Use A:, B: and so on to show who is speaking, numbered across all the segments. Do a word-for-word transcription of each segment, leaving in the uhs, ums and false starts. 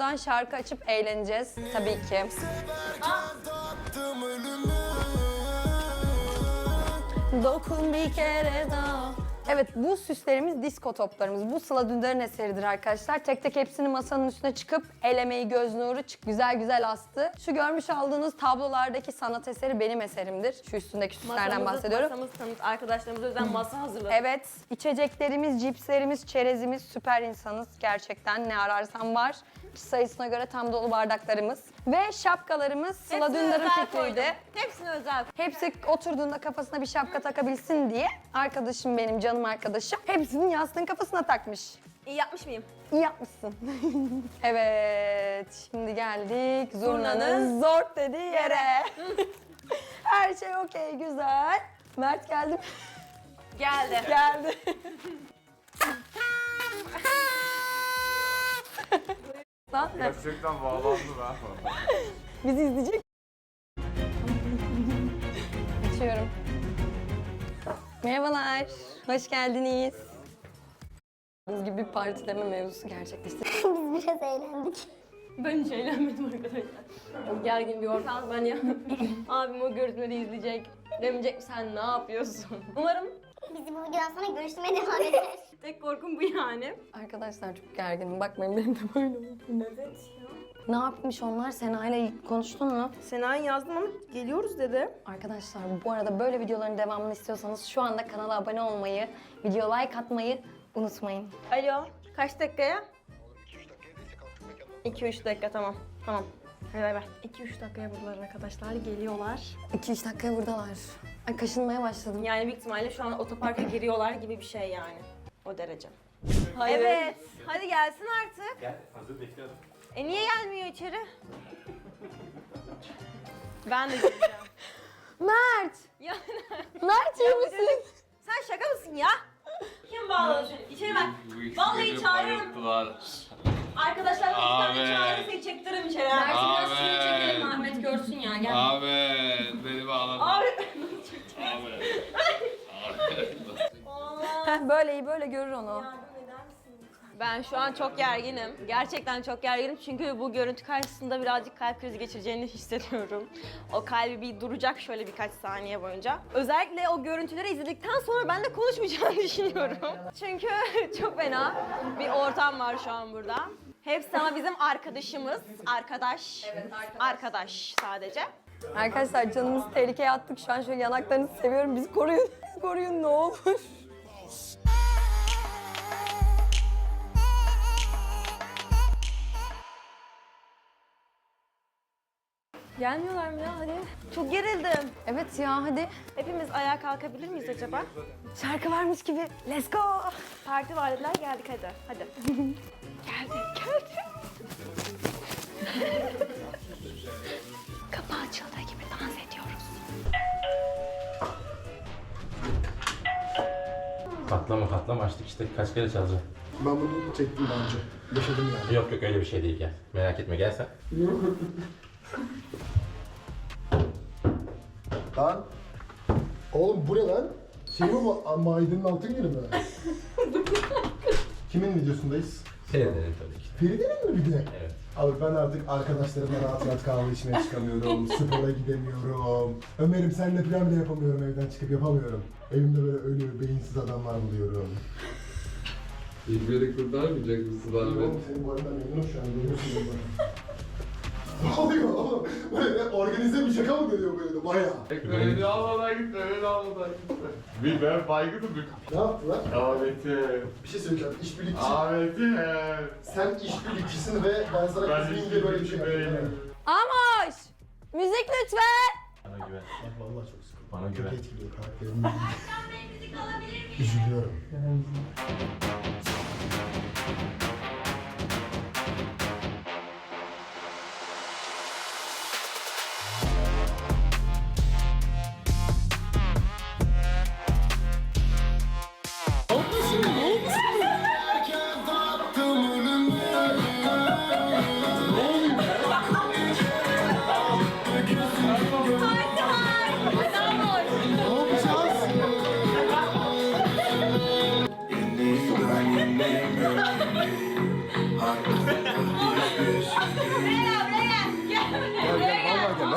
A: Buradan şarkı açıp eğleneceğiz tabii ki. Dokun bir kere daha. Evet, bu süslerimiz disko toplarımız. Bu Sıla Dündar'ın eseridir arkadaşlar. Tek tek hepsini masanın üstüne çıkıp el emeği, göz nuru çık güzel güzel astı. Şu görmüş olduğunuz tablolardaki sanat eseri benim eserimdir. Şu üstündeki süslerden bahsediyorum.
B: Masamız tanıt, arkadaşlarımız özel masa hazırladık.
A: Evet, içeceklerimiz, cipslerimiz, çerezimiz, süper insanız gerçekten. Ne ararsan var. Kişi sayısına göre tam dolu bardaklarımız. Ve şapkalarımız Sıla
B: Hepsini
A: Dündar'ın
B: özel
A: fikriydi.
B: koydum. Hepsini özel.
A: Hepsi oturduğunda kafasına bir şapka takabilsin diye arkadaşım benim, canım arkadaşım hepsinin yastığın kafasına takmış.
B: İyi yapmış mıyım?
A: İyi yapmışsın. Evet, şimdi geldik zurnanın
B: Zurnanın
A: zort dediği yere. Her şey okey, güzel. Mert geldi mi?
B: Geldi.
A: Geldi. Lan ne?
C: Gerçekten bağlandı ben.
A: Bizi izleyecek. Açıyorum. Merhabalar, hoş geldiniz. Biz gibi bir partileme mevzusu gerçekleşti.
D: Biz biraz eğlendik.
B: Ben hiç eğlenmedim arkadaşlar. Çok gergin bir ortam ben ya. Abim o görüntüleri izleyecek. Demeyecek sen ne yapıyorsun? Umarım
D: Bizi bu videodan sonra görüşmeye devam ederiz.
B: tek korkum bu yani.
A: Arkadaşlar çok gerginim. Bakmayın benim de böyle oldu.
B: Evet ya.
A: Ne yapmış onlar? Sena'yla konuştun mu?
B: Sena'yı yazdım ama geliyoruz dedi.
A: Arkadaşlar bu arada böyle videoların devamını istiyorsanız şu anda kanala abone olmayı, video like atmayı unutmayın.
B: Alo, kaç dakikaya? iki üç dakika tamam. Tamam. Hadi bay bay. iki üç dakikaya buradalar arkadaşlar. Geliyorlar.
A: iki üç dakikaya buradalar. Ay kaşınmaya başladım.
B: Yani büyük ihtimalle şu an otoparka giriyorlar gibi bir şey yani. O derece.
A: Hayır.
B: Evet. Hadi gelsin artık.
C: Gel, hazır bekliyorum.
B: E niye gelmiyor içeri? Ben de geleceğim.
A: Mert!
B: Ya
A: Mert iyi misin?
B: sen şaka mısın ya? Kim bağladı seni? İçeri bak. Vallahi çağırıyorum. Arkadaşlar iki tane
E: Abi.
B: çağırırsa seni çektiririm içeri.
A: Mert'i biraz
E: Abi.
A: şuraya çekelim Ahmet görsün ya gel.
E: Ahmet beni bağladın.
B: Abi.
E: Ahmet.
A: Heh, böyle iyi böyle görür onu.
B: Ben şu an çok gerginim. Gerçekten çok gerginim çünkü bu görüntü karşısında birazcık kalp krizi geçireceğini hissediyorum. O kalbi bir duracak şöyle birkaç saniye boyunca. Özellikle o görüntüleri izledikten sonra ben de konuşmayacağını düşünüyorum. Çünkü çok fena bir ortam var şu an burada. Hepsi ama bizim arkadaşımız. Arkadaş. Evet, arkadaş. Arkadaş sadece.
A: Arkadaşlar canımızı tehlikeye attık. Şu an şöyle yanaklarınızı seviyorum. Bizi koruyun. Koruyun ne olur.
B: Gelmiyorlar mı ya hadi. Çok gerildim.
A: Evet ya hadi.
B: Hepimiz ayağa kalkabilir miyiz acaba?
A: Şarkı varmış gibi. Let's go.
B: Parti var dediler geldik hadi. Hadi. geldik geldik.
A: Kapı açıldığı gibi dans ediyoruz.
F: Katlama katlama açtık işte kaç kere çalacağım.
G: Ben bunu çektim daha önce. Yaşadım yani.
F: Yok yok öyle bir şey değil gel. Merak etme gel sen.
G: Lan. Oğlum bu ne lan? Şey mi bu? A- Maidenin altın günü mü? Kimin videosundayız?
F: Seyredelim tabii ki.
G: Feride'nin mi bir de?
F: Evet.
G: Abi ben artık arkadaşlarımla rahat rahat kahve içmeye çıkamıyorum. Spora gidemiyorum. Ömer'im seninle plan bile yapamıyorum evden çıkıp yapamıyorum. Evimde böyle ölü, beyinsiz adamlar buluyorum.
E: Beni kurtarmayacak mısın
G: Oğlum senin bu arada memnunum şu an. Görüyorsun beni. Ne oluyor oğlum? Böyle organize bir şaka mı geliyor böyle bayağı?
E: Beni almadan gitme, beni almadan gitme. Bir ben baygınım bir.
G: Ne yaptılar?
E: Ahmet'im.
G: Bir şey söyleyeceğim. İşbirlikçi.
E: Ahmet'im.
G: Sen işbirlikçisin ve ben sana
E: Ben
G: kızmayayım diye böyle bir şey yaptım.
E: değilim.
A: Amoş! Müzik lütfen.
F: Bana güven.
G: Vallahi çok sıkıldım.
F: Bana
G: Çok
F: güven.
G: etkiliyor karakterimi. Üzülüyorum.
H: In these blinding memories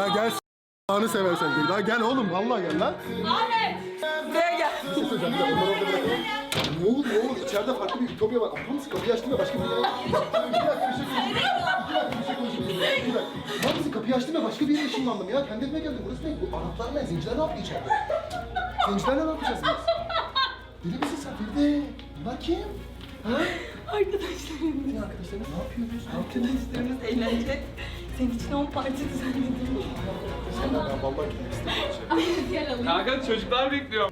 G: Ya gel s***anı seversen gel. Lan gel oğlum vallahi gel lan.
B: Ahmet! Buraya gel.
G: Bir şey söyleyeceğim. Bir dakika, bunları orada bırakalım. Ne olur ne olur içeride farklı bir ütopya var. Aptal mısın? Kapıyı açtın ya başka bir yere. Bir dakika bir şey konuşayım. Bir dakika bir şey konuşayım. Bir dakika. Lan mısın? Kapıyı açtın ya başka bir yere ışınlandım ya. Kendi evime geldim. Burası ne? Bu Araplar ne? Zenciler ne yapıyor içeride? Zencilerle ne yapacağız biz? Deli misin sen Feride? Bunlar kim? Ha?
B: Arkadaşlarım.
G: Ne arkadaşlarınız? Ne yapıyoruz? Ne yapıyoruz?
B: Arkadaşlarımız eğlenecek. Senin için on parça düzenledim.
G: Sen ben vallahi gitmek istemiyorum.
B: Gel alayım.
C: Kanka çocuklar bekliyor.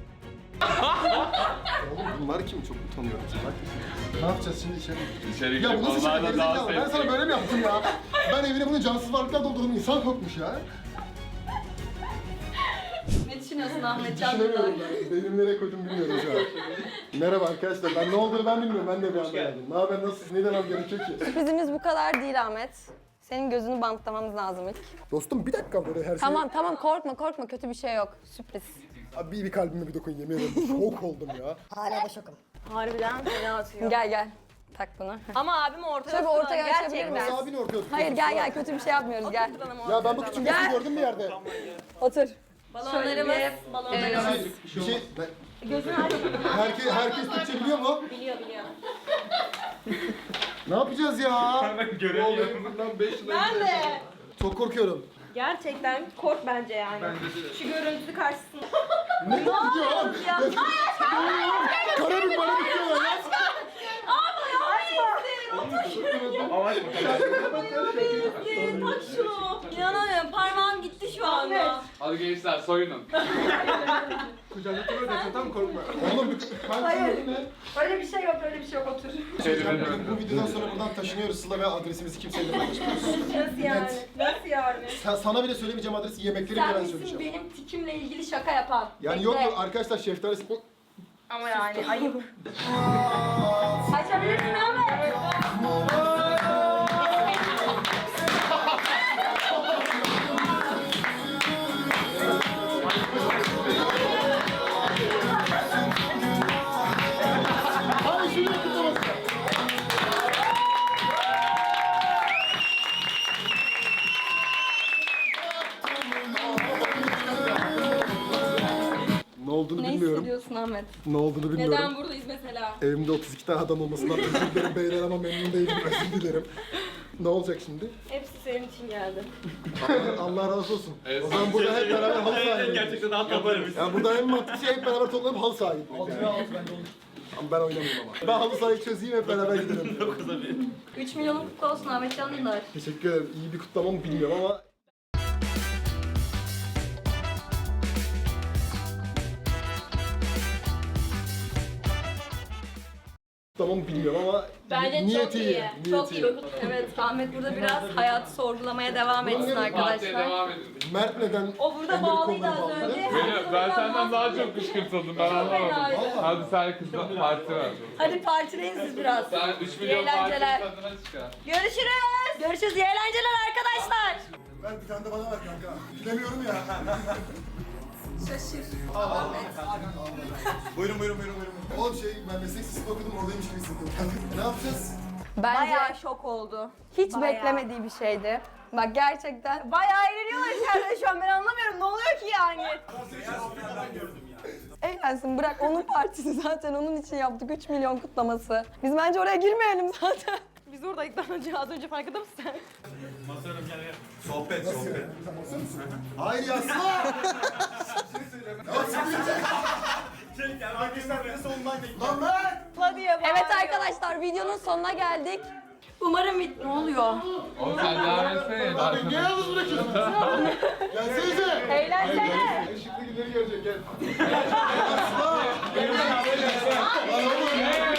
G: Oğlum bunlar kim? Çok utanıyorum. Bak. Ne yapacağız şimdi içeri?
C: İçeri
G: Ya bu nasıl şaka
C: onlarla daha
G: gerizekalı? Ben sana
C: sevdim.
G: böyle mi yaptım ya? Ben evine bunu cansız varlıklar doldurdum. İnsan kokmuş ya.
B: Ne düşünüyorsun Ahmet Can?
G: Düşünemiyorum ben. Benim nereye koydum bilmiyorum şu an. Merhaba arkadaşlar. Ben ne olduğunu ben bilmiyorum. Ben de bir anda geldim. Ne haber? Nasılsınız? Ne demem gerekiyor ki?
A: Sürprizimiz bu kadar değil Ahmet. Senin gözünü bantlamamız lazım ilk.
G: Dostum bir dakika böyle her şey...
A: Tamam tamam korkma korkma kötü bir şey yok. Sürpriz.
G: Abi bir, bir kalbime bir dokun yemin ederim. Şok oldum ya.
D: Hala da şokum.
B: Harbiden fena atıyor.
A: Gel gel. Tak bunu.
B: Ama abim ortaya
A: Tabii
B: oturdu.
A: ortaya açabilir
B: Gerçekten.
A: miyiz?
G: Abini ortaya tutuyorsun.
A: Hayır gel gel kötü bir şey yapmıyoruz gel.
G: Ya ben bu küçük
A: Gel.
G: kızı gördüm bir yerde.
A: Otur.
B: Balonlarımız.
G: Bir
B: Balonlarımız.
G: şey... Bir şey ben-
B: Gözün aç.
G: herkes, herkes Türkçe biliyor mu?
B: Biliyor biliyor.
G: Ne yapacağız ya?
C: Ben göremiyorum.
G: Bundan beş yıl
B: Ben
G: önce.
B: de.
G: Çok korkuyorum.
B: Gerçekten kork bence yani. Şu görüntü karşısında.
G: Ne gidiyor oğlum?
B: Ya.
G: Karabük bana bitiyor ya.
C: Ama açma.
B: Tak şunu. İnanamıyorum parmağım gitti şu anda.
C: Hadi gençler soyunun.
G: Kucağına oturuyor da tam korkma. Oğlum ben Hayır. Ne?
B: Öyle bir şey yok öyle bir şey yok otur.
G: Bu videodan sonra buradan taşınıyoruz. Sıla ve adresimizi kimseyle paylaşmıyoruz.
B: Nasıl yani? Nasıl yani?
G: Sen, sana bile söylemeyeceğim adresi, yemekleri bile
B: Sen
G: ben
B: misin
G: söyleyeceğim.
B: benim tikimle ilgili şaka yapan?
G: Yani
B: Bekle.
G: yok mu arkadaşlar şeftalisi...
B: Ama yani ayıp. Açabilirsin Ahmet.
G: Hayır şunu kutlaması. Ne olduğunu
B: Ne
G: bilmiyorum.
B: hissediyorsun Ahmet?
G: Ne olduğunu bilmiyorum.
B: Neden buradayız mesela?
G: Evimde otuz iki tane adam olmasından özür dilerim beyler ama memnun değilim, özür dilerim. Ne olacak şimdi?
B: Hepsi senin için geldi.
G: Allah razı olsun. O zaman burada hep beraber halı sahibi.
C: şey Gerçekten rahat yaparım.
G: Yani burada en mantıklı şey hep beraber toplanıp halı sahibi. Altına alt bende olur. Ama ben oynamıyorum ama. Ben halı sahayı çözeyim hep beraber gidelim.
B: üç milyonun kutlu olsun Ahmet Can Dündar.
G: Teşekkür ederim. İyi bir kutlama mı bilmiyorum ama Tamam bilmiyorum ama
B: Bence
G: niyeti
B: çok iyi.
G: niyeti
B: Çok iyi. Evet Ahmet burada biraz hayatı sorgulamaya devam etsin
C: Partiye
B: arkadaşlar.
C: devam edin.
G: Mert neden
B: O burada
G: Emre'nin
B: bağlıydı
G: kolları
B: az
G: bağladı?
B: önce.
C: Beni, ben senden daha çok kışkırtıldım ben anlamadım.
B: fenaydı.
C: Hadi sen kızla parti ver.
B: Hadi partileyin siz biraz.
C: Sen üç
B: İyi
C: milyon parti
B: eğlenceler.
C: tadına çıkar.
B: Görüşürüz. Görüşürüz. İyi eğlenceler arkadaşlar.
G: Ver bir tane de bana ver kanka. Bilemiyorum ya.
B: Şaşır.
G: Buyurun buyurun buyurun buyurun. Oğlum şey ben meslek lisesi okudum oradaymış gibi hissettim. Ne yapacağız?
A: Bence
B: Bayağı şok oldu.
A: hiç
B: bayağı.
A: beklemediği bir şeydi. Bak gerçekten
B: Bayağı eğleniyorlar içeride şu an ben anlamıyorum ne oluyor ki yani?
A: eğlensin bırak onun partisi zaten onun için yaptık üç milyon kutlaması. Biz bence oraya girmeyelim zaten.
B: Biz oradaydık daha önce az önce farkında mısın sen?
G: Sohbet sohbet. Hayır ya Sıla! Lan Mert!
B: Hadi ya
A: Evet arkadaşlar videonun sonuna geldik.
B: Umarım bit... Ne oluyor?
C: Oğlum sen devam etsene.
G: Abi niye yalnız bırakıyorsun? Gelsenize!
B: Eğlensene.
G: Işıklı günleri görecek gel. Ya Sıla! Lan oğlum!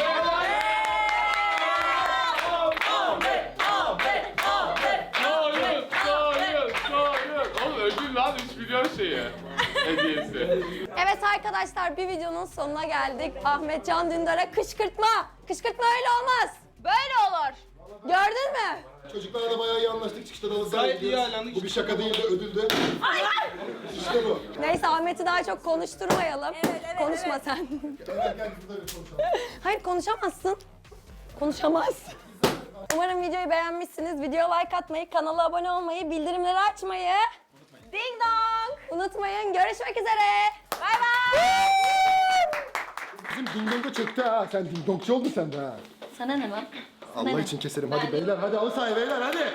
C: Soyun, soyun, soyun. Oğlum ödül lan üç milyon şeyi. Hediyesi.
A: Evet arkadaşlar bir videonun sonuna geldik. Ahmet Can Dündar'a kışkırtma. Kışkırtma öyle olmaz.
B: Böyle olur.
A: Gördün mü?
G: Çocuklarla da bayağı iyi anlaştık. Çıkışta da halı sahaya gidiyoruz. Bu bir şaka değil de ödüldü. İşte bu.
A: Neyse Ahmet'i daha çok konuşturmayalım.
B: Evet, evet,
A: Konuşma
B: evet.
A: sen.
G: Gel gel burada bir konuşalım.
A: Hayır konuşamazsın. Konuşamaz. Umarım videoyu beğenmişsiniz. Videoya like atmayı, kanala abone olmayı, bildirimleri açmayı
B: Ding dong.
A: Unutmayın. Görüşmek üzere.
B: Bay bay.
G: Bizim ding dong'a çöktü ha. Sen ding dongçu oldun sen de ha.
A: Sana ne lan?
G: Allah için keserim. Hadi beyler hadi al sahaya beyler hadi.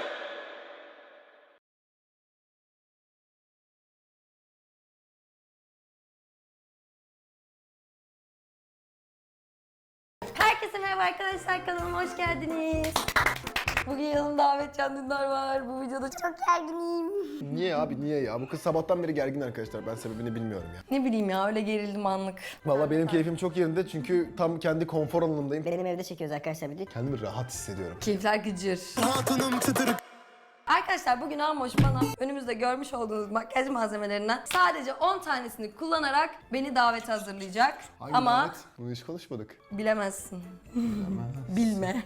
A: Herkese merhaba arkadaşlar, kanalıma hoş geldiniz. Bugün yanımda Ahmet Can Dündar var. Bu videoda çok...
D: Çok gerginim.
G: Niye abi niye ya? Bu kız sabahtan beri gergin arkadaşlar. Ben sebebini bilmiyorum ya.
A: Ne bileyim ya, öyle gerildim anlık.
G: Vallahi benim keyfim çok yerinde çünkü tam kendi konfor alanımdayım.
D: Benim evde çekiyoruz arkadaşlar video.
G: Kendimi rahat hissediyorum.
A: Keyifler gıcır. Arkadaşlar bugün Amoş bana önümüzde görmüş olduğunuz makyaj malzemelerinden sadece on tanesini kullanarak beni davete hazırlayacak.
G: Hangi
A: Ama
G: davet? Bunu hiç konuşmadık.
A: bilemezsin. Bilme.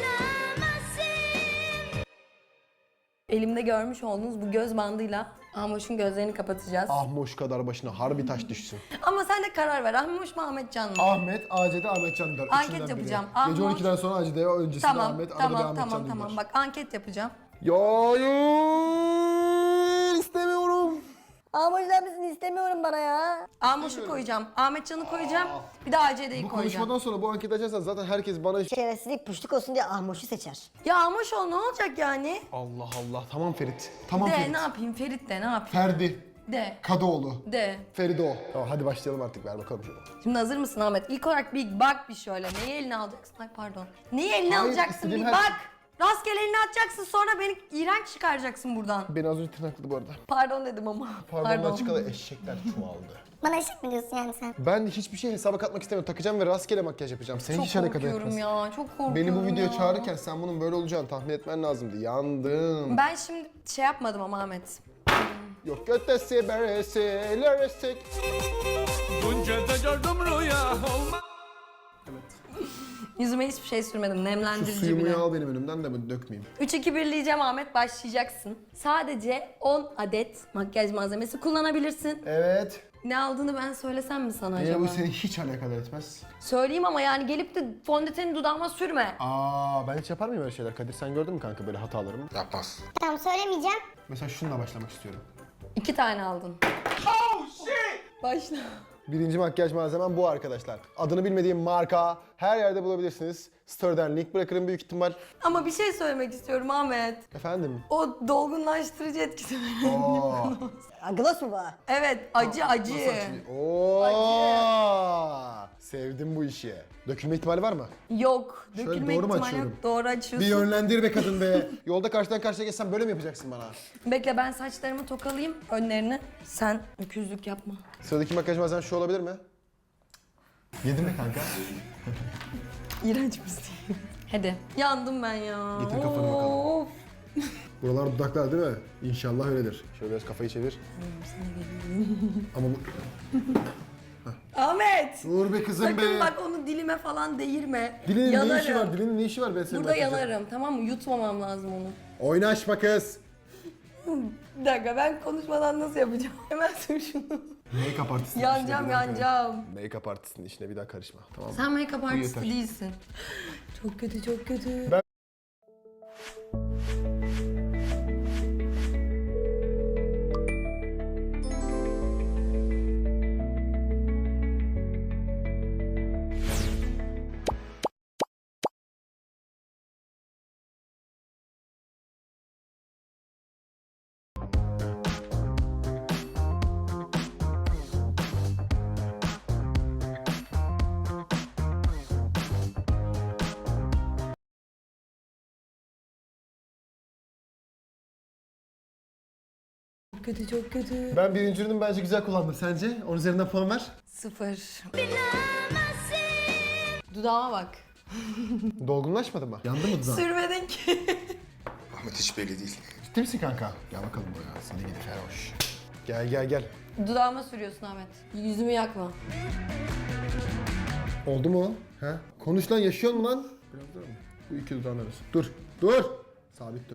A: Elimde görmüş olduğunuz bu göz bandıyla Amoş'un gözlerini kapatacağız.
G: Ahmoş kadar başına harbi taş düşsün.
A: Ama sen de karar ver. Amoş mu Ahmet Can mı?
G: Ahmet, Acede, Ahmet Can Dündar.
A: Anket
G: Üçünden biri.
A: yapacağım.
G: Gece
A: Ahmoş-
G: on ikiden sonra Acede, öncesinde
A: Tamam,
G: Ahmet, arada bir
A: tamam,
G: Ahmet
A: tamam,
G: Can
A: tamam.
G: Dündar.
A: Bak anket yapacağım.
G: Ya hayır, istemiyorum.
D: Amoşlar mısın istemiyorum bana ya.
A: Amoş'u koyacağım, Ahmet Can'ı koyacağım, bir de A C D'yi
G: Bu
A: koyacağım.
G: konuşmadan sonra bu anketi açarsan zaten herkes bana...
D: Şerefsizlik puşluk olsun diye Ahmoş'u seçer.
A: Ya Amoş ol, ne olacak yani?
G: Allah Allah, tamam Ferit. Tamam
A: De
G: Ferit.
A: ne yapayım, Ferit de ne yapayım?
G: Ferdi,
A: De,
G: Kadıoğlu,
A: de.
G: Feride o. Tamam hadi başlayalım artık, ver bakalım şunu.
A: Şimdi hazır mısın Ahmet? İlk olarak bir bak bir şöyle. Neyi eline alacaksın? Ay pardon. Neyi eline
G: Hayır,
A: alacaksın
G: istediğim
A: bir
G: her-
A: bak. Rastgele elini atacaksın, sonra beni iğrenç çıkaracaksın buradan.
G: Beni az önce tırnakladı bu arada.
A: Pardon dedim ama.
G: Pardondan çıkalı eşekler çoğaldı.
D: Bana eşek mi diyorsun yani sen?
G: Ben hiçbir şey hesaba katmak istemiyorum. Takacağım ve rastgele makyaj yapacağım. Seni
A: Çok
G: hiç alakadar
A: korkuyorum
G: etmez.
A: ya, çok korkuyorum
G: Beni bu videoya
A: ya.
G: çağırırken sen bunun böyle olacağını tahmin etmen lazımdı. Yandım.
A: Ben şimdi şey yapmadım ama Ahmet.
G: Yok götesi beresi leresik.
C: Bunca da gördüm rüya olma.
A: Yüzüme hiçbir şey sürmedim,
G: Şu
A: nemlendirici
G: suyumu
A: bile.
G: al benim önümden de ben dökmeyeyim.
A: üç iki bir diyeceğim Ahmet, başlayacaksın. Sadece on adet makyaj malzemesi kullanabilirsin.
G: Evet.
A: Ne aldığını ben söylesem mi sana
G: Yine
A: acaba?
G: bu seni hiç alakadar etmez.
A: Söyleyeyim ama yani gelip de fondöteni dudağıma sürme.
G: Aa ben hiç yapar mıyım öyle şeyler? Kadir sen gördün mü kanka böyle hatalarımı? Yapmaz.
D: Tamam söylemeyeceğim.
G: Mesela şununla başlamak istiyorum.
A: İki tane aldın. Oh shit! Başla.
G: Birinci makyaj malzemem bu arkadaşlar. Adını bilmediğim marka her yerde bulabilirsiniz. Story'den link bırakırım büyük ihtimal.
A: Ama bir şey söylemek istiyorum Ahmet.
G: Efendim?
A: O dolgunlaştırıcı etkisi var.
G: Oo.
D: Gloss mu bu?
A: Evet, acı acı.
G: Oo. Sevdim bu işi. Dökülme ihtimali var mı?
A: Yok,
G: Şöyle
A: dökülme
G: doğru mu
A: ihtimali yok.
G: açıyorum?
A: Doğru
G: Bir
A: açıyorsun.
G: yönlendir be kadın be. Yolda karşıdan karşıya geçsem böyle mi yapacaksın bana?
A: Bekle, ben saçlarımı tokalayayım önlerini. Sen öküzlük yapma.
G: Sıradaki makyaj malzemem şu olabilir mi? Yedin mi kanka?
A: İğrenç misin? Hadi. Yandım ben ya.
G: Getir kafanı bakalım.
A: Of.
G: Buralar dudaklar değil mi? İnşallah öyledir. Şöyle biraz kafayı çevir. Ama bu...
A: Ahmet!
G: Dur be kızım
A: Sakın
G: be.
A: bak onu dilime falan değirme.
G: Dilinin
A: yanarım.
G: ne işi var? Dilinin ne işi var ben senin
A: Burada
G: makyajın?
A: yanarım, tamam mı? Yutmamam lazım onu.
G: Oynaşma kız.
A: Bir dakika, ben konuşmadan nasıl yapacağım? Hemen sür şunu.
G: Make-up artistin
A: Yanacağım,
G: işine bir daha
A: yanacağım.
G: karışma. Make-up artistin işine bir daha karışma. Tamam mı?
A: Sen make-up artisti
G: yeter.
A: değilsin. Çok kötü, çok kötü.
G: Ben-
A: Çok kötü, çok kötü.
G: Ben birinci ürünümü bence güzel kullandım. Sence? Onun üzerinden puan ver.
A: Sıfır. Dudağıma bak.
G: Dolgunlaşmadı mı? Yandı mı dudağın?
A: Sürmedin ki.
G: Ahmet hiç belli değil. Ciddi misin kanka? Gel bakalım buraya. Seni gidi feroş. Gel gel gel.
A: Dudağıma sürüyorsun Ahmet. Yüzümü yakma.
G: Oldu mu? He? Konuş lan, yaşıyor mu lan? Biraz daha mı? Bu iki dudağın arası. Dur. Dur. Sabit dur.